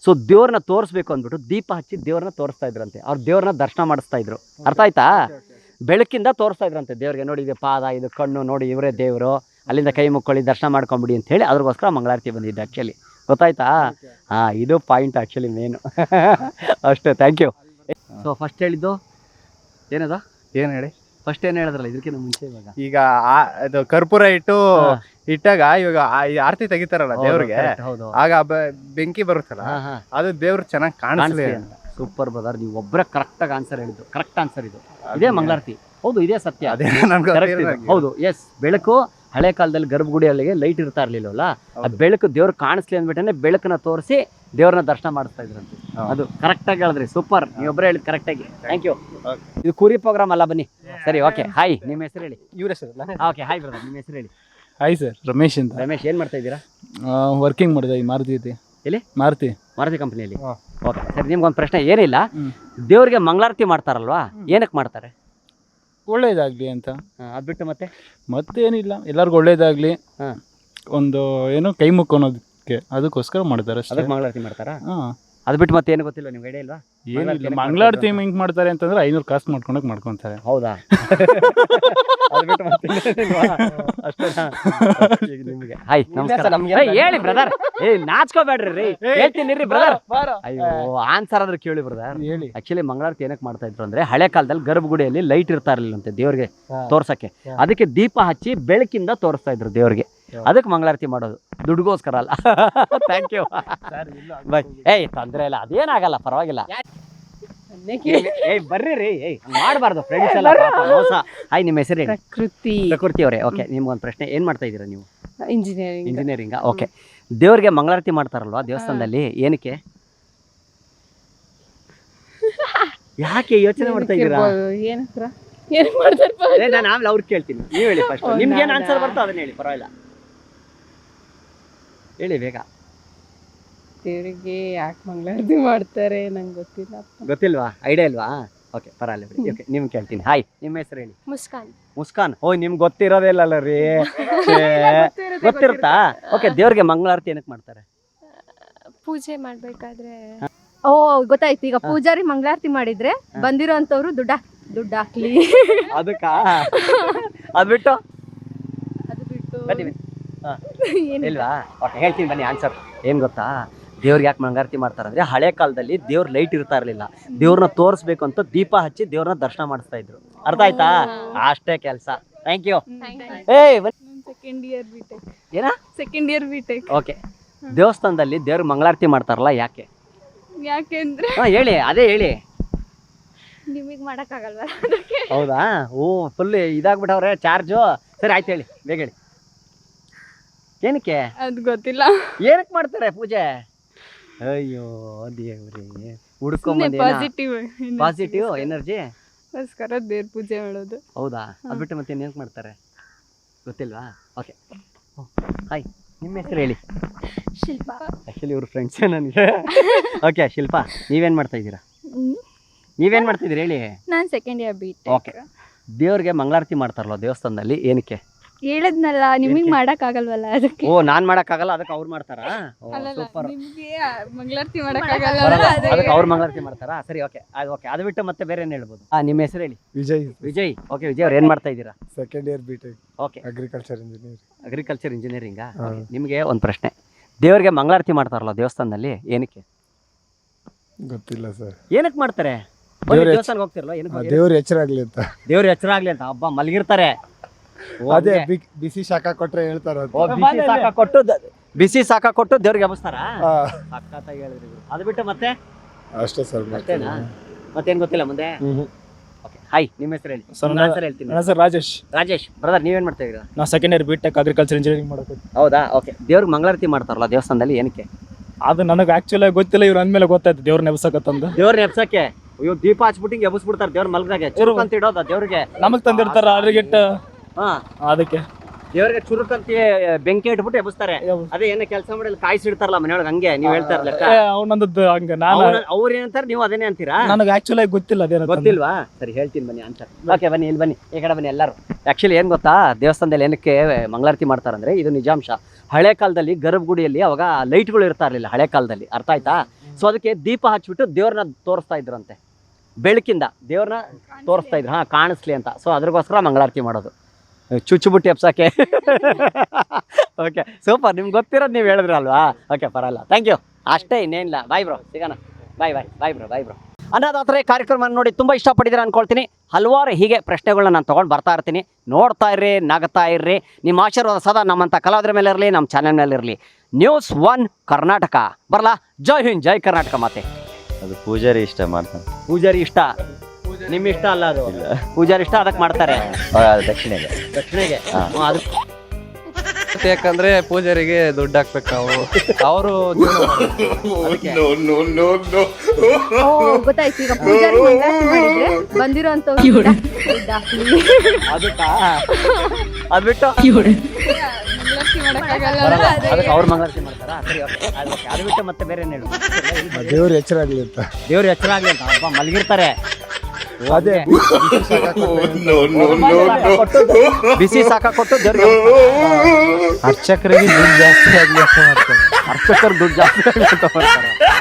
Speaker 2: ಸೊ ದೇವ್ರನ್ನ ತೋರಿಸ್ಬೇಕು ಅಂದ್ಬಿಟ್ಟು ದೀಪ ಹಚ್ಚಿ ದೇವ್ರನ್ನ ತೋರಿಸ್ತಾ ಇದ್ರಂತೆ. ಅವ್ರು ದೇವ್ರನ್ನ ದರ್ಶನ ಮಾಡಿಸ್ತಾ ಇದ್ರು. ಅರ್ಥ ಆಯ್ತಾ? ಬೆಳಕಿಂದ ತೋರಿಸ್ತಾ ಇದ್ರಂತೆ ದೇವ್ರಿಗೆ. ನೋಡಿ ಇದು ಪಾದ, ಇದು ಕಣ್ಣು, ನೋಡಿ ಇವರೇ ದೇವರು, ಅಲ್ಲಿಂದ ಕೈ ಮುಕ್ಕೊಳ್ಳಿ ದರ್ಶನ ಮಾಡ್ಕೊಂಬಿಡಿ ಅಂತ ಹೇಳಿ ಅದ್ರಗೋಸ್ಕರ ಮಂಗಳಾರತಿ ಬಂದಿದ್ದೆ ಆ್ಯಕ್ಚುಲಿ. ಗೊತ್ತಾಯ್ತಾ? ಹಾಂ, ಇದು ಪಾಯಿಂಟ್ ಆ್ಯಕ್ಚುಲಿ ಮೇನು. ಅಷ್ಟೇ, ಥ್ಯಾಂಕ್ ಯು. ಸೊ ಫಸ್ಟ್ ಹೇಳಿದ್ದು ಏನದ?
Speaker 3: ಏನ್ ಹೇಳಿ?
Speaker 2: ಫಸ್ಟ್ ಏನು ಹೇಳಿದ್ರಲ್ಲ ಇದಕ್ಕಿಂತ ಮುಂಚೆ. ಇವಾಗ
Speaker 3: ಈಗ ಆ- ಇದು ಕರ್ಪೂರ ಇಟ್ಟು ಇಟ್ಟಾಗ ಇವಾಗ ಆ- ಈ ಆರತಿ ತೆಗಿತಾರಲ್ಲ ದೇವ್ರಿಗೆ,
Speaker 2: ಹೌದು.
Speaker 3: ಆಗ ಬ- ಬೆಂಕಿ ಬರುತ್ತಲ್ಲ,
Speaker 2: ಹಾಂ ಹಾಂ,
Speaker 3: ಅದು ದೇವ್ರು ಚೆನ್ನಾಗಿ ಕಾಣಿಸ್ಲಿ
Speaker 2: ಕಾಣಿಸ್ಲಿ ಅಂತ. ಸೂಪರ್ ಬ್ರದರ್, ನೀವು ಒಬ್ಬರೇ ಕರೆಕ್ಟಾಗಿ ಆನ್ಸರ್ ಹೇಳಿದ್ದು. ಕರೆಕ್ಟ್ ಆನ್ಸರ್ ಇದು. ಇದೇ ಮಂಗಳಾರತಿ. ಹೌದು, ಇದೇ ಸತ್ಯ.
Speaker 3: ಅದೇ ನನ್ಗೆ
Speaker 2: Correct ಇದು. ಹೌದು, ಎಸ್. ಬೆಳಕು ಹಳೆ ಕಾಲದಲ್ಲಿ ಗರ್ಭಗುಡಿಯಲ್ಲಿಗೆ ಲೈಟ್ ಇರ್ತಾ ಇರ್ಲಿಲ್ಲವಲ್ಲ, ಆ ಬೆಳಕು ದೇವ್ರು ಕಾಣಿಸ್ಲಿ ಅಂದ್ಬಿಟ್ಟೆ ಬೆಳಕನ್ನ ತೋರಿಸಿ ದೇವ್ರನ್ನ ದರ್ಶನ ಮಾಡಿಸ್ತಾ ಇದ್ರಂತೆ. ಅದು ಕರೆಕ್ಟ್ ಆಗಿ ಹೇಳಿದ್ರಿ. ಸೂಪರ್, ನೀವೊಬ್ಬರೇ ಹೇಳಿದ್ ಕರೆಕ್ಟ್ ಆಗಿ. Thank you. ಇದು ಕುರಿ ಪ್ರೋಗ್ರಾಮ್ ಅಲ್ಲ, ಬನ್ನಿ. ಸರಿ, ಓಕೆ. ಹಾಯ್, ನಿಮ್ಮ ಹೆಸರು ಹೇಳಿ.
Speaker 3: ಇವ್ರ ಹೆಸರು
Speaker 2: ಓಕೆ, ಹಾಯ್ ಬ್ರದರ್, ನಿಮ್ಮ ಹೆಸರು ಹೇಳಿ.
Speaker 7: ಹಾಯ್ ಸರ್, ರಮೇಶ್ ಅಂತ.
Speaker 2: ರಮೇಶ್, ಏನ್ ಮಾಡ್ತಾ ಇದ್ದೀರಾ?
Speaker 7: ವರ್ಕಿಂಗ್ ಮಾಡಿದೆ ಈ ಮಾರುತಿ ಐತಿ.
Speaker 2: ಎಲ್ಲಿ?
Speaker 7: ಮಾರುತಿ
Speaker 2: ಮಾರುತಿ ಕಂಪ್ನಿಯಲ್ಲಿ. ಓಕೆ, ಸರಿ. ನಿಮ್ಗೊಂದು ಪ್ರಶ್ನೆ. ಏನಿಲ್ಲ, ದೇವ್ರಿಗೆ ಮಂಗಳಾರತಿ ಮಾಡ್ತಾರಲ್ವಾ, ಏನಕ್ಕೆ ಮಾಡ್ತಾರೆ?
Speaker 7: ಒಳ್ಳೇದಾಗ್ಲಿ ಅಂತ.
Speaker 2: ಅದ್ ಬಿಟ್ಟು ಮತ್ತೆ
Speaker 7: ಮತ್ತೇನಿಲ್ಲ, ಎಲ್ಲರಿಗೂ ಒಳ್ಳೇದಾಗ್ಲಿ.
Speaker 2: ಹಾ.
Speaker 7: ಒಂದು ಏನು ಕೈ ಮುಕ್ಕು ಅನ್ನೋದಕ್ಕೆ, ಅದಕ್ಕೋಸ್ಕರ ಮಾಡ್ತಾರೆ ಅಷ್ಟೇ.
Speaker 2: ಅದಕ್ಕೆ ಮಂಗಳಾರತಿ ಮಾಡ್ತಾರಾ?
Speaker 7: ಹಾ,
Speaker 2: ಅದು ಬಿಟ್ಟು ಮತ್ತೆ ಏನು ಗೊತ್ತಿಲ್ಲ ನಿಮ್ಗೆ? ಐಡಿಯಾ ಇಲ್ವಾ?
Speaker 7: ಏನಿಲ್ಲ, ಮಂಗಳಾರತಿ ಹೆಂಗ್ ಮಾಡ್ತಾರೆ ಅಂತಂದ್ರೆ ಐನೂರು ಕಾಸು ಮಾಡ್ಕೊಂಡೋಗಿ ಮಾಡ್ಕೊಂತಾರೆ.
Speaker 2: ಹೌದಾ? ಅದು ಬಿಟ್ಟು ಮತ್ತೆ ಇನ್ನೇನಿಲ್ವಾ? ಅಷ್ಟೇನಾ? ನಿಮಗೆ ಹಾಯ್, ನಮಸ್ಕಾರ. ಏಯ್, ಹೇಳಿ ಬ್ರದರ್. ಏ ನಾಚ್ಕೋಬೇಡ್ರಿ ರೀ, ಹೇಳ್ತೀನಿ ರೀ ಬ್ರದರ್. ಅಯ್ಯೋ, ಆನ್ಸರ್ ಆದ್ರೆ ಕೇಳಿ ಬ್ರದರ್.
Speaker 7: ಹೇಳಿ.
Speaker 2: ಆಕ್ಚುಲಿ ಮಂಗಳಾರತಿ ಏನಕ್ಕೆ ಮಾಡ್ತಾ ಇದ್ರು ಅಂದ್ರೆ, ಹಳೆ ಕಾಲದಲ್ಲಿ ಗರ್ಭಗುಡಿಯಲ್ಲಿ ಲೈಟ್ ಇರ್ತಾ ಇರ್ಲಿಲ್ಲಂತೆ ದೇವ್ರಿಗೆ ತೋರ್ಸಕ್ಕೆ. ಅದಕ್ಕೆ ದೀಪ ಹಚ್ಚಿ ಬೆಳಕಿಂದ ತೋರಿಸ್ತಾ ಇದ್ರು ದೇವ್ರಿಗೆ. ಅದಕ್ಕೆ ಮಂಗಳಾರತಿ ಮಾಡೋದು, ದುಡ್ಗೋಸ್ಕರ ಅಲ್ಲ. Thank you. ಬಾಯ್. ಏಯ್, ತೊಂದ್ರೆ ಇಲ್ಲ, ಅದೇನಾಗಲ್ಲ, ಪರವಾಗಿಲ್ಲ. ಏಯ್ ಬರ್ರಿ ರೀ, ಏಯ್ ಮಾಡಬಾರ್ದು ಫ್ರೆಂಡ್ಸ್ ಎಲ್ಲ, ಪಾಪ ಮೋಸ. ಹಾಯ್, ನಿಮ್ಮ ಹೆಸರು ಹೇಳಿ.
Speaker 8: ಪ್ರಕೃತಿ.
Speaker 2: ಪ್ರಕೃತಿ ಅವರೇ. ಓಕೆ, ನಿಮ್ಗೊಂದು ಪ್ರಶ್ನೆ. ಏನ್ ಮಾಡ್ತಾ ಇದ್ದೀರಾ ನೀವು?
Speaker 8: ಇಂಜಿನಿಯರಿಂಗ್.
Speaker 2: ಇಂಜಿನಿಯರಿಂಗಾ? ಓಕೆ. ದೇವ್ರಿಗೆ ಮಂಗಳಾರತಿ ಮಾಡ್ತಾರಲ್ವಾ ದೇವಸ್ಥಾನದಲ್ಲಿ, ಏನಕ್ಕೆ? ಯಾಕೆ ಯೋಚನೆ ಮಾಡ್ತಾ ಇದ್ದೀರಾ?
Speaker 8: ಏನಕ್ರ ಏನ್ ಮಾಡ್ತಾರೆ?
Speaker 2: ನಾನು ಆಮೇಲೆ ಅವ್ರಿಗೆ ಕೇಳ್ತೀನಿ, ನೀವು ಹೇಳಿ ಫಸ್ಟ್. ನಿಮ್ಗೆ ಏನು ಆನ್ಸರ್ ಬರ್ತೋ ಅದನ್ನ ಹೇಳಿ, ಪರವಾಗಿಲ್ಲ. ಹೇಳಿ ಬೇಗ.
Speaker 8: ದೇವರಿಗೆ ಯಾಕೆ ಮಂಗಳಾರತಿ ಮಾಡ್ತಾರೆ ನಂಗೆ ಗೊತ್ತಿಲ್ಲ.
Speaker 2: ಗೊತ್ತಿಲ್ವಾ? ಐಡಿಯಾ ಇಲ್ವಾ? ಓಕೆ, ಪರವಾಗಿಲ್ಲ ಬಿಡಿ. ಓಕೆ, ನಿಮ್ಗೆ ಕೇಳ್ತೀನಿ. ಹಾಯ್, ನಿಮ್ಮ ಹೆಸರು ಹೇಳಿ.
Speaker 4: ಮುಸ್ಕಾನ್.
Speaker 2: ಮುಸ್ಕಾನ್. ಓಯ್, ನಿಮ್ಗೆ ಗೊತ್ತಿರೋದೇ ಇಲ್ಲಲ್ಲ ರೀ. ಗೊತ್ತಿರುತ್ತಾ? ಓಕೆ, ದೇವ್ರಿಗೆ ಮಂಗಳಾರತಿ ಏನಕ್ಕೆ ಮಾಡ್ತಾರೆ?
Speaker 4: ಪೂಜೆ ಮಾಡ್ಬೇಕಾದ್ರೆ.
Speaker 9: ಓ, ಗೊತ್ತಾಯ್ತು. ಈಗ ಪೂಜಾರಿ ಮಂಗಳಾರತಿ ಮಾಡಿದ್ರೆ ಬಂದಿರೋ ಅಂತವ್ರು ದುಡ್ಡ ದುಡ್ಡು ಹಾಕ್ಲಿ.
Speaker 2: ಅದಕ್ಕ ಅದು ಬಿಟ್ಟು
Speaker 9: ಅದು ಬಿಟ್ಟು
Speaker 2: ಬನ್ನಿ ಬನ್ನಿ. ಇಲ್ವಾ? ಓಕೆ, ಹೇಳ್ತೀನಿ ಬನ್ನಿ ಆನ್ಸರ್. ಏನು ಗೊತ್ತಾ, ದೇವ್ರಿಗೆ ಯಾಕೆ ಮಂಗಳಾರತಿ ಮಾಡ್ತಾರೆ ಅಂದರೆ, ಹಳೆ ಕಾಲದಲ್ಲಿ ದೇವ್ರ ಲೈಟ್ ಇರ್ತಾ ಇರಲಿಲ್ಲ. ದೇವ್ರನ್ನ ತೋರಿಸ್ಬೇಕು ಅಂತ ದೀಪ ಹಚ್ಚಿ ದೇವ್ರನ್ನ ದರ್ಶನ ಮಾಡಿಸ್ತಾ ಇದ್ರು. ಅರ್ಥ ಆಯ್ತಾ? ಅಷ್ಟೇ ಕೆಲಸ. Thank you. ಏಯ್,
Speaker 8: ಸೆಕೆಂಡ್ ಇಯರ್ ಬಿ ಟೆಕ್.
Speaker 2: ಏನ?
Speaker 8: Second year B tech.
Speaker 2: Okay, ದೇವಸ್ಥಾನದಲ್ಲಿ ದೇವ್ರಿಗೆ ಮಂಗಳಾರತಿ ಮಾಡ್ತಾರಲ್ಲ, ಯಾಕೆ?
Speaker 8: ಯಾಕೆಂದ್ರೆ
Speaker 2: ಹಾಂ, ಹೇಳಿ, ಅದೇ ಹೇಳಿ.
Speaker 9: ನಿಮಗೆ ಮಾಡಕ್ಕಾಗಲ್ವಾ?
Speaker 2: ಹೌದಾ? ಓ, ಫುಲ್ ಇದಾಗ್ಬಿಟ್ಟವ್ರೆ ಚಾರ್ಜು. ಸರಿ, ಆಯ್ತು, ಹೇಳಿ, ಬೇಗ ಹೇಳಿ. ಏನಕ್ಕೆ?
Speaker 8: ಅದು ಗೊತ್ತಿಲ್ಲ.
Speaker 2: ಏನಕ್ಕೆ ಮಾಡ್ತಾರೆ ಪೂಜೆ? ಅಯ್ಯೋ ದೇವ್ರಿ, ಹುಡ್ಕೊಂಬಂದ
Speaker 8: ಪಾಸಿಟಿವ್
Speaker 2: ಪಾಸಿಟಿವ್ ಎನರ್ಜಿ
Speaker 8: ಗೋಸ್ಕರ ದೇವ್ರ ಪೂಜೆ ಮಾಡೋದು.
Speaker 2: ಹೌದಾ? ಅದು ಬಿಟ್ಟು ಮತ್ತೆ ಏನಕ್ಕೆ ಮಾಡ್ತಾರೆ ಗೊತ್ತಿಲ್ವಾ? ಓಕೆ, ಹಾಯ್, ನಿಮ್ಮ ಹೆಸರು ಹೇಳಿ.
Speaker 9: ಶಿಲ್ಪ.
Speaker 2: ಆ್ಯಕ್ಚುಲಿ ಇವ್ರ ಫ್ರೆಂಡ್ಸೇ ನನಗೆ. ಓಕೆ, ಶಿಲ್ಪ, ನೀವೇನು ಮಾಡ್ತಾ ಇದ್ದೀರಾ? ನೀವೇನು ಮಾಡ್ತಿದ್ದೀರಿ ಹೇಳಿ.
Speaker 9: ನಾನು second year B tech.
Speaker 2: Okay, ದೇವ್ರಿಗೆ ಮಂಗಳಾರತಿ ಮಾಡ್ತಾರಲ್ಲ ದೇವಸ್ಥಾನದಲ್ಲಿ, ಏನಕ್ಕೆ?
Speaker 9: ಹೇಳದ್ನಲ್ಲ, ನಿಮಗೆ ಮಾಡಕ್ಕಾಗಲ್ವಲ್ಲ ಅದಕ್ಕೆ.
Speaker 2: ಓ, ನಾನ್ ಮಾಡಕ್ಕಾಗಲ್ಲ, ಅದಕ್ಕೆ ಅವ್ರು ಮಾಡ್ತಾರಾ? ಸೂಪರ್.
Speaker 8: ನಿಮ್ಗೆ ಮಂಗಳಾರತಿ ಮಾಡಕ್ಕಾಗಲ್ಲ,
Speaker 2: ಅದಕ್ಕೆ ಅವ್ರು ಮಂಗಳಾರತಿ ಮಾಡ್ತಾರಾ? ಸರಿ, ಓಕೆ. ಅದು ಓಕೆ, ಅದು ಬಿಟ್ಟು ಮತ್ತೆ ಬೇರೆ ಏನು ಹೇಳ್ಬೋದು? ಹಾಂ, ನಿಮ್ಮ ಹೆಸರು ಹೇಳಿ.
Speaker 7: ವಿಜಯ್.
Speaker 2: ವಿಜಯ್. ಓಕೆ, ವಿಜಯ್ ಅವ್ರು ಏನು ಮಾಡ್ತಾ ಇದ್ದೀರಾ?
Speaker 7: Second year B tech.
Speaker 2: Okay,
Speaker 7: agriculture engineer.
Speaker 2: Agriculture ಇಂಜಿನಿಯರಿಂಗಾ? ನಿಮಗೆ ಒಂದು ಪ್ರಶ್ನೆ. ದೇವ್ರಿಗೆ ಮಂಗಳಾರತಿ ಮಾಡ್ತಾರಲ್ಲ ದೇವಸ್ಥಾನದಲ್ಲಿ, ಏನಕ್ಕೆ?
Speaker 7: ಗೊತ್ತಿಲ್ಲ ಸರ್.
Speaker 2: ಏನಕ್ಕೆ ಮಾಡ್ತಾರೆ? ದೇವಸ್ಥಾನಕ್ಕೆ ಹೋಗ್ತಿರಲ್ಲ, ಏನಕ್ಕೆ?
Speaker 7: ದೇವ್ರ ಎಚ್ಚರ ಆಗ್ಲಿ ಅಂತ.
Speaker 2: ದೇವ್ರ ಎಚ್ಚರ ಆಗ್ಲಿ ಅಂತ. ಹಬ್ಬ ಮಲಗಿರ್ತಾರೆ.
Speaker 7: ಅದೇ ಬಿಸಿ ಶಾಖ ಕೊಟ್ರೆ ಹೇಳ್ತಾರ.
Speaker 2: ಬಿಸಿ ಸಾಕ ಕೊಟ್ಟು ಬಿಸಿ ಸಾಕ ಕೊಟ್ಟು ದೇವ್ರಿಗೆ ಹಬ್ಬಸ್ತಾರ. ಸಖತ್ತಾಗಿ ಹೇಳಿದ್ರಿ. ಅದು ಬಿಟ್ಟು ಮತ್ತೆ
Speaker 7: ಅಷ್ಟೇ ಸರ್.
Speaker 2: ಅಷ್ಟೇನಾ? ಮತ್ತೇನು ಗೊತ್ತಿಲ್ಲ ಮುಂದೆ? ಓಕೆ, ಹಾಯ್, ನಿಮ್ಮ ಹೆಸರು ಹೇಳಿ. ಆನ್ಸರ್ ಹೇಳ್ತೀನಿ.
Speaker 7: ನನ್ನ ಹೆಸರು ರಾಜೇಶ್.
Speaker 2: ರಾಜೇಶ್ ಬ್ರದರ್, ನೀವೇನು ಮಾಡ್ತಾ ಇದ್ದೀರಾ?
Speaker 7: ನಾವು second year B tech agriculture engineering ಮಾಡೋದು.
Speaker 2: ಹೌದಾ? ಓಕೆ, ದೇವ್ರಿಗೆ ಮಂಗಳಾರತಿ ಮಾಡ್ತಾರಲ್ಲ ದೇವಸ್ಥಾನದಲ್ಲಿ, ಏನಕ್ಕೆ?
Speaker 7: ಅದು ನನಗೆ ಆಕ್ಚುಲಿ ಗೊತ್ತಿಲ್ಲ, ಇವ್ರು ಅಂದ್ಮೇಲೆ ಗೊತ್ತಾಯ್ತು ದೇವ್ರನ್ನ ಎಬ್ಸಕತ್ತಂದು.
Speaker 2: ದೇವ್ರನ್ನ ಎಬ್ಸಕ್ಕೆ? ಅಯ್ಯೋ, ದೀಪ ಹಚ್ಬಿಟ್ಟು ಹಿಂಗೆ ಎಬ್ಬಿಸ್ಬಿಡ್ತಾರೆ ದೇವ್ರ ಮಲಗ್ದಾಗೆ. ಚುರುಕ್ ಅಂತ ಇಡೋದ ದೇವ್ರಿಗೆ?
Speaker 7: ನಮಗ್ ತಂದಿರ್ತಾರ ಅದ್ರಿಗಿಟ್ಟು.
Speaker 2: ಹಾ,
Speaker 7: ಅದಕ್ಕೆ
Speaker 2: ದೇವ್ರಿಗೆ ಚುರುಕಂತ ಬೆಂಕಿ ಇಟ್ಬಿಟ್ಟು ಎಬ್ಬಿಸ್ತಾರೆ. ಅದೇ ಏನೋ ಕೆಲಸ ಮಾಡಿ ಕಾಯಿಸಿಡ್ತಾರಲ್ಲ ಮನೆಯೊಳಗೆ, ಹಂಗೆ ನೀವು ಹೇಳ್ತಾ ಇರ್ಲಿಲ್ಲ.
Speaker 7: ಅವನಂದದ್ದು ಹಂಗ. ನಾನು
Speaker 2: ಅವ್ರು ಏನಂತಾರೆ, ನೀವು ಅದನ್ನೇ ಅಂತೀರಾ?
Speaker 7: ನನಗೆ ಆಕ್ಚುಲಿ ಗೊತ್ತಿಲ್ಲ, ಅದೇನ
Speaker 2: ಗೊತ್ತಿಲ್ವಾ? ಸರಿ, ಹೇಳ್ತೀನಿ ಬನ್ನಿ ಆನ್ಸರ್. ಓಕೆ, ಬನ್ನಿ, ಇಲ್ಲಿ ಬನ್ನಿ, ಈ ಕಡೆ ಬನ್ನಿ ಎಲ್ಲರೂ. ಆ್ಯಕ್ಚುಲಿ ಏನು ಗೊತ್ತಾ, ದೇವಸ್ಥಾನದಲ್ಲಿ ಏನಕ್ಕೆ ಮಂಗಳಾರತಿ ಮಾಡ್ತಾರಂದ್ರೆ, ಇದು ನಿಜಾಂಶ. ಹಳೆ ಕಾಲದಲ್ಲಿ ಗರ್ಭಗುಡಿಯಲ್ಲಿ ಅವಾಗ ಲೈಟ್ಗಳು ಇರ್ತಾ ಇರಲಿಲ್ಲ ಹಳೆ ಕಾಲದಲ್ಲಿ. ಅರ್ಥ ಆಯ್ತಾ? ಸೊ ಅದಕ್ಕೆ ದೀಪ ಹಚ್ಬಿಟ್ಟು ದೇವ್ರನ್ನ ತೋರಿಸ್ತಾ ಇದ್ರಂತೆ, ಬೆಳಕಿಂದ ದೇವ್ರನ್ನ ತೋರಿಸ್ತಾ ಇದ್ರು, ಹಾಂ ಕಾಣಿಸ್ಲಿ ಅಂತ. ಸೊ ಅದ್ರಗೋಸ್ಕರ ಮಂಗಳಾರತಿ ಮಾಡೋದು, ಚುಚ್ಚುಬುಟ್ಟಿ ಎಪ್ಸಕ್ಕೆ. ಓಕೆ ಸೂಪರ್, ನಿಮ್ಗೆ ಗೊತ್ತಿರೋದು ನೀವು ಹೇಳಿದ್ರಿ ಅಲ್ವಾ? ಓಕೆ ಪರವಾಗಿಲ್ಲ, ಥ್ಯಾಂಕ್ ಯು. ಅಷ್ಟೇ, ಇನ್ನೇನಿಲ್ಲ. ಬಾಯ್ ಬ್ರೋ, ಸಿಗೋಣ. ಬಾಯ್ ಬಾಯ್ ಬಾಯ್ ಬ್ರೋ ಬಾಯ್ ಬ್ರೋ ಅನ್ನೋದಾದ್ರೆ ಕಾರ್ಯಕ್ರಮ ನೋಡಿ ತುಂಬ ಇಷ್ಟಪಟ್ಟಿದ್ದೀರ ಅಂದ್ಕೊಳ್ತೀನಿ. ಹಲವಾರು ಹೀಗೆ ಪ್ರಶ್ನೆಗಳನ್ನ ನಾನು ತೊಗೊಂಡು ಬರ್ತಾ ಇರ್ತೀನಿ. ನೋಡ್ತಾ ಇರ್ರಿ, ನಗ್ತಾ ಇರ್ರಿ. ನಿಮ್ಮ ಆಶೀರ್ವಾದ ಸದಾ ನಮ್ಮಂಥ ಕಲಾವಿದರ ಮೇಲೆ ಇರಲಿ, ನಮ್ಮ ಚಾನೆಲ್ ಮೇಲೆ ಇರಲಿ. ನ್ಯೂಸ್ ಒನ್ ಕರ್ನಾಟಕ ಬರಲಾ? ಜೈ ಹಿಂದ್, ಜೈ ಕರ್ನಾಟಕ. ಮಾತೆ
Speaker 1: ಅದು ಪೂಜಾರಿ ಇಷ್ಟ ಮಾಡ್ತಾನೆ.
Speaker 2: ಪೂಜಾರಿ ಇಷ್ಟ, ನಿಮ್ಮ ಇಷ್ಟ ಅಲ್ಲ ಅದು. ಪೂಜಾರಿ ಇಷ್ಟ, ಅದಕ್ಕೆ ಮಾಡ್ತಾರೆ.
Speaker 1: ಅವಾಗ ಅದು ದಕ್ಷಿಣೆಗೆ.
Speaker 2: ದಕ್ಷಿಣೆಗೆ
Speaker 1: ಹಾ.
Speaker 2: ಅದು
Speaker 3: ಯಾಕಂದ್ರೆ ಪೂಜಾರಿಗೆ ದುಡ್ಡು ಹಾಕ್ಬೇಕು ನಾವು, ಅವರು ಜೀವನ ಮಾಡ್ಬೇಕು.
Speaker 9: ಓ ಗೊತ್ತಾಯ್ತು. ಈಗ ಪೂಜಾರಿ ಮಂಗಳಾರತಿ ಮಾಡಿದ್ರೆ ಬಂದಿರೋಂಥವ್ರು ದುಡ್ಡು ಹಾಕ್ಲಿ.
Speaker 2: ಅದಕ್ಕೆ ಅದು ಬಿಟ್ಟು
Speaker 8: ಮಂಗಳಾರತಿ ಮಾಡೋಕ್ಕಾಗಲ್ಲ.
Speaker 2: ಬರಲ್ಲ. ಅದಕ್ಕೆ ಅವ್ರು ಮಂಗಳಾರತಿ ಮಾಡ್ತಾರಾ? ಸರಿ, ಓಕೆ. ಅದಕ್ಕೆ ಅದು ಬಿಟ್ಟು ಮತ್ತೆ ಬೇರೆ ಏನು ಹೇಳು?
Speaker 7: ದೇವ್ರ ಎಚ್ಚರ ಆಗಲಿ ಅಂತ.
Speaker 2: ದೇವ್ರು ಎಚ್ಚರ ಆಗ್ಲಿ ಅಂತ ಹಬ್ಬ ಮಲಗಿರ್ತಾರೆ.
Speaker 7: ಅದೇ
Speaker 2: ಬಿಸಿ ಸಾಕ ಕೊಟ್ಟು ದೇವ್ರಿಗೆ
Speaker 7: ಅರ್ಚಕರಿಗೆ ದುಡ್ಡು ಜಾಸ್ತಿ ಆಗಲಿ ಅಂತ ಮಾಡ್ತಾರೆ.
Speaker 2: ಅರ್ಚಕರು ದುಡ್ಡು ಜಾಸ್ತಿ ಆಗ್ಲಿ ಅಂತ ಮಾಡ್ತಾರೆ.